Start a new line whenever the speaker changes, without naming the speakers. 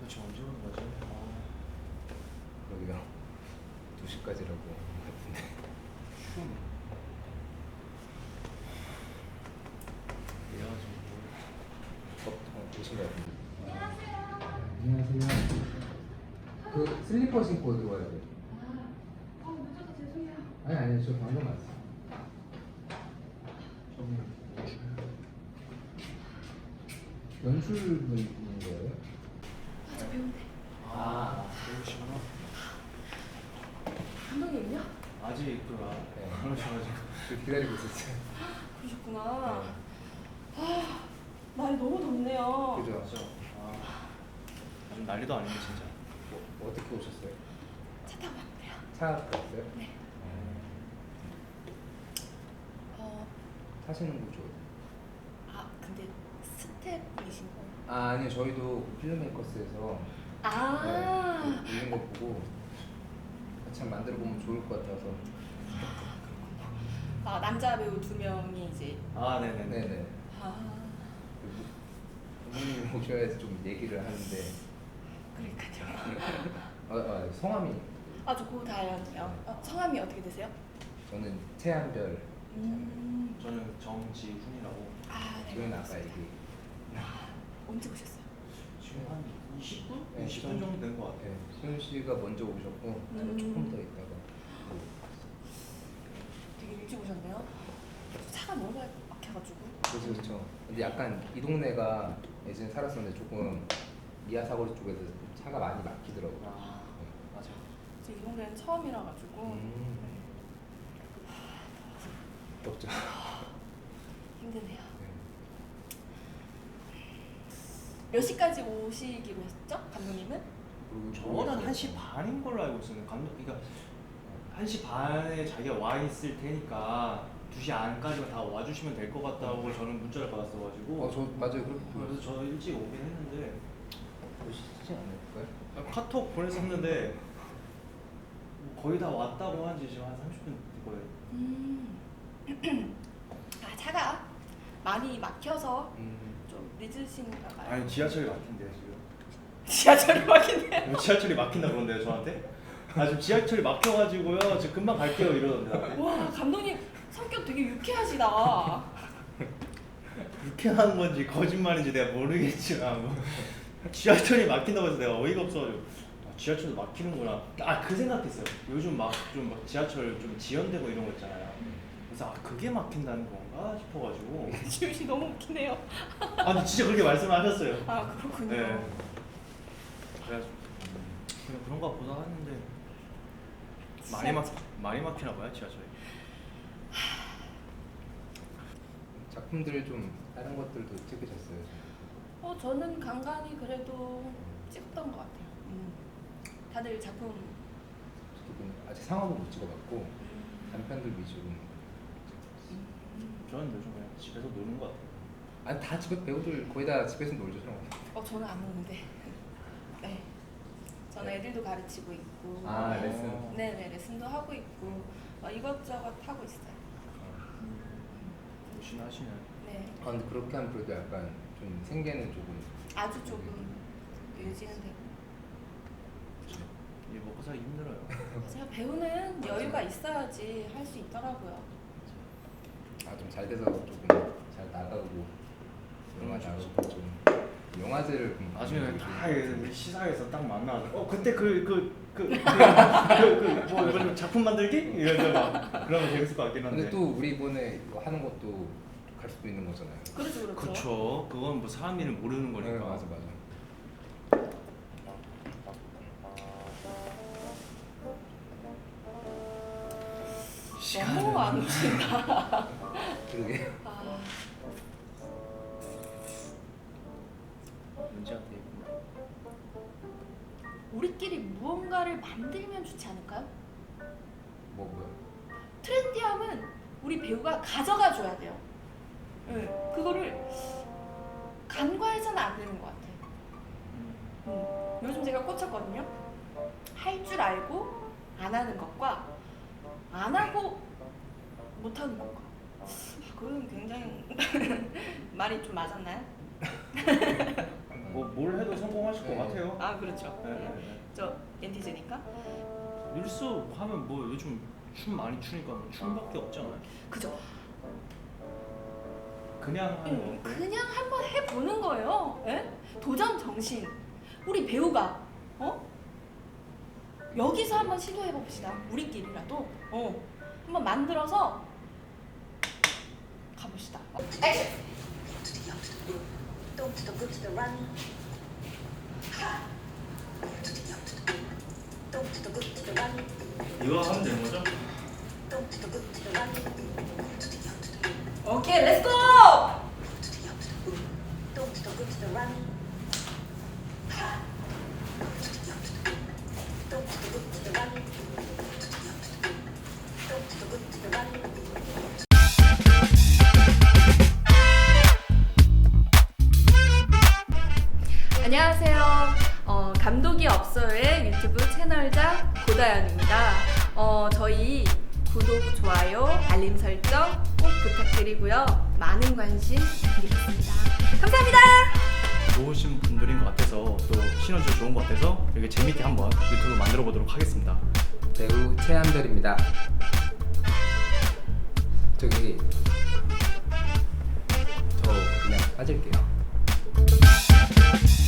도대체 언제 오는 거지?
그러게요. 2시까지라고 같은데.
그래가지고
오신 것 같은데.
안녕하세요.
안녕하세요. 그 슬리퍼 신고 들어와야 돼요.
늦어서 죄송해요.
아니 저 방금 왔어요. 연출분인 거예요?
저 배운데.
배우시구나.
감독님요?
아직 그가
네.
그러셔가지고
저 기다리고 있었어요.
그러셨구나.
네.
아, 날이 너무 덥네요.
그죠?
맞죠? 요즘 난리도 아닌데 진짜.
어떻게 오셨어요?
차 타고 왔대요.
차 타셨어요?
네.
타시는 거 좋아요.
근데 스텝이신 거예요?
아니요, 저희도 필름메이커스에서
아,
이런 거 보고 참 만들어 보면 좋을 것 같아서.
남자 배우 2명이 이제.
네네네.
네네. 부모님 오셔야지 좀 얘기를 하는데.
그러니까요.
성함이
저 고다연이요. 성함이 어떻게 되세요?
저는 최한별.
저는 정지훈이라고.
네.
지금 아까 얘기.
언제 오셨어요?
지금 한 20분?
네,
20분 정도 된 것 같아요.
수현 씨가 먼저 오셨고 조금 더 있다가.
되게 일찍 오셨네요. 차가 너무 막혀가지고.
그렇죠. 근데 약간 이 동네가 예전에 살았었는데 조금 미아사거리 쪽에서 차가 많이 막히더라고요.
맞아.
이 동네는 처음이라 가지고
덥죠.
힘드네요.
네.
몇 시까지 오시기로 했죠, 감독님은?
저는 1시 반인 걸로 알고 있었는데 그러니까 1시 반에 자기가 와 있을 테니까 2시 안까지만 다 와주시면 될 것 같다고 저는 문자를 받았어가지고.
저 맞아요.
그래서 저 일찍 오긴 했는데
오시지 않을까요?
카톡 보냈었는데 거의 다 왔다고 한지 지금 한 30분 될 거예요.
차가 많이 막혀서
음.
좀 늦으신가 봐요.
아니 지하철이 막힌대요 지금.
지하철이 막히네요.
지하철이 막힌다 그런데요 저한테? 지금 지하철이 막혀가지고요 지금 금방 갈게요 이러던데 나한테.
와, 감독님 성격 되게 유쾌하시다.
유쾌한 건지 거짓말인지 내가 모르겠지만 지하철이 막힌다고 해서 내가 어이가 없어가지고 지하철도 막히는구나. 그 생각했어요. 요즘 막 지하철 좀 지연되고 이런 거 있잖아요. 그래서 그게 막힌다는 건가 싶어가지고.
지훈 씨 너무 웃기네요.
근데 진짜 그렇게 말씀을 하셨어요.
그렇군요.
네. 그래서 그냥 그런가 보다 했는데 많이 막히나 봐요 지하철이.
작품들 좀 다른 것들도 찍으셨어요?
저는 간간히 그래도 찍었던 것 같아요. 다들 작품.
저도 아직 상업은 못 찍어봤고 단편들 위주로.
저는 요즘 그냥 집에서 노는 것 같아요.
아니 다 집에 배우들 거의 다 집에서 놀죠.
저는 안 오는데. 네. 저는 애들도 가르치고 있고.
레슨.
네네, 레슨도 하고 있고 이것저것 하고 있어요.
열심히 하시네.
네.
근데 그렇게 하면 그래도 약간 좀 생계는 조금.
아주 조금 유지는 되고.
이 먹고 살기 힘들어요.
제가 배우는 여유가 있어야지 할 수 있더라고요.
좀 잘 돼서 조금 잘 나가고 영화 나가고 좀 영화제를 좀
나중에
보는 게
다
좋을 것 같아요.
우리 시사회에서 딱 만나서 그때 뭐 작품 만들기 이러죠 막. 그러면 재밌을 것 같긴 한데.
근데 또 우리 이번에 이거 하는 것도 갈 수도 있는 거잖아요.
그렇죠.
그쵸. 그건 뭐 사람 일은 모르는 거니까.
네, 맞아.
너무 안 오신다.
그러게.
문제한테 있구나.
우리끼리 무언가를 만들면 좋지 않을까요?
뭐요?
트렌디함은 우리 배우가 가져가 줘야 돼요. 네, 그거를 간과해서는 안 되는 것 같아요. 요즘 제가 꽂혔거든요. 할 줄 알고 안 하는 것과 안 하고 못 하는 것과. 그건 굉장히 말이 좀 맞았나요?
뭘 해도 성공하실 것 같아요. 해요.
아 그렇죠.
네, 네, 네.
저 엔티즈니까.
릴스 하면 뭐 요즘 춤 많이 추니까 뭐 춤밖에 없잖아요.
그죠.
그냥 하는 거.
그냥 한번 해보는 거예요. 예? 도전 정신. 우리 배우가 여기서 한번 시도해 봅시다. 우리끼리라도 한번 만들어서 가봅시다. 액션.
Don't to the good to the run. Don't to the good to the run.
이거 하면 되는 거죠?
Don't to the good to the run.
오케이, 렛츠고!
Don't to the good to the run. Don't to the good to the run. Don't to the good to the run.
안녕하세요. 감독이 없어요의 유튜브 채널자 고다연입니다. 저희 구독, 좋아요, 알림 설정 꼭 부탁드리고요. 많은 관심 부탁드리겠습니다. 감사합니다.
좋으신 분들인 것 같아서 또 시너지 좋은 것 같아서 이렇게 재밌게 한번 유튜브 만들어 보도록 하겠습니다.
배우 최한별입니다. 저기 저 그냥 빠질게요.